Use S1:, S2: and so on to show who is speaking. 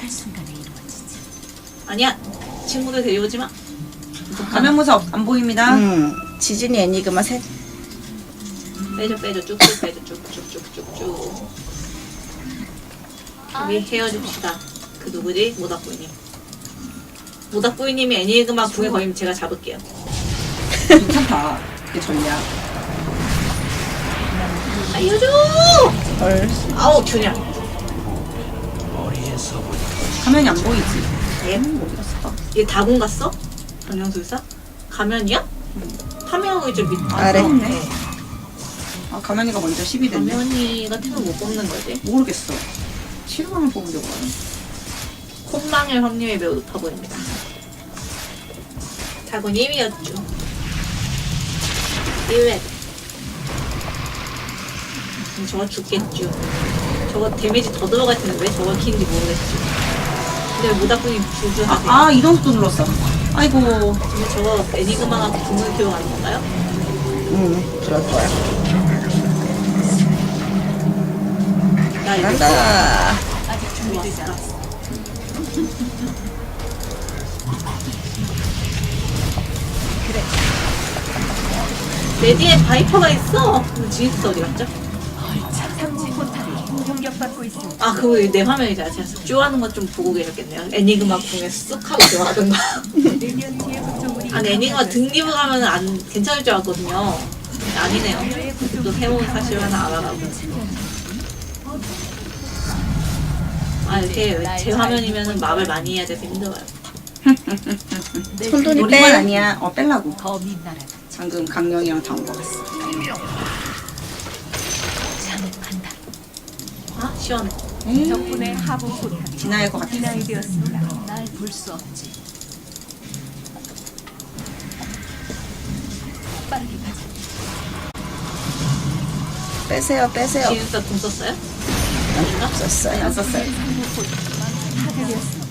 S1: 한순간에 이루어지지.
S2: 아니야. 친구들 데려오지 마.
S3: 감염무사 안 보입니다.
S4: 지진이 애니그마 셋.
S2: 빼줘 쭉쭉 빼줘 쭉쭉쭉쭉쭉. 우리 헤어집시다. 그 누구지? 모닥부이님. 모닥부이님이 애니그마 궁에 걸리면 제가 잡을게요.
S3: 괜찮다. 이게 전략.
S2: 알려줘!
S4: 헐.
S2: 아우 균야.
S3: 화면이 안 보이지.
S2: 얘
S3: 어디 갔어?
S2: 얘 다군 갔어? 변형술사? 가면이야? 파면이 좀 밑.
S4: 아래.
S2: 네.
S3: 아, 가면이가 먼저 10이 됐네.
S2: 가면이가 팀을 못 뽑는 거지.
S3: 모르겠어. 실망을 뽑으려고 하네.
S2: 콧망일 확률이 매우 높아 보입니다. 다군 1위였죠. 1회. 저거 죽겠죠. 저거 데미지 더 들어갈 텐데 왜 저걸 키는지 모르겠죠. 근데 모닥분이 주주하세요.
S3: 아, 이동속도 눌렀어. 아이고.
S2: 근데 저거 애니그마가 궁을 키워 가는 건가요?
S4: 그럴 거야.
S2: 나 이거
S4: 간다.
S1: 아직 준비되지
S2: 왔다.
S1: 않았어.
S2: 내 뒤에 바이퍼가 있어. 근데 지니스 어디 갔죠?
S1: 삼지 포탑이 공격받고 있습니다.
S2: 아 그거 내 화면이잖아. 제가 쪼하는 것 좀 보고 계셨겠네요. 애니그마 궁에 쑥 하고 들어가던가.
S1: 내면 뒤에 구조물이
S2: 아니 애니그마 등기부 가면 안 괜찮을 줄 알았거든요. 근데 아니네요. 또 새로운 사실 하나 알아가고. 아 이렇게 제 화면이면은 말을 많이 해야 돼서 힘들어요.
S4: 손돈이
S3: 우리만
S4: 빼.
S3: 아니야. 뺄라고.
S1: 거미 나라
S3: 방금 강령이랑 다 온 거 같어.
S1: 잠깐다.
S2: 아 시원해.
S1: 덕분에 하부 포탑이
S3: 지나갈 것 같아.
S1: 진화되었습니다. 날 볼 수 없지. 빨리 가자.
S4: 빼세요, 빼세요.
S2: 지니스 궁 썼어요?
S4: 없었어요.
S3: 안 썼어요.
S1: 상부 포탑만 파괴되었습니다.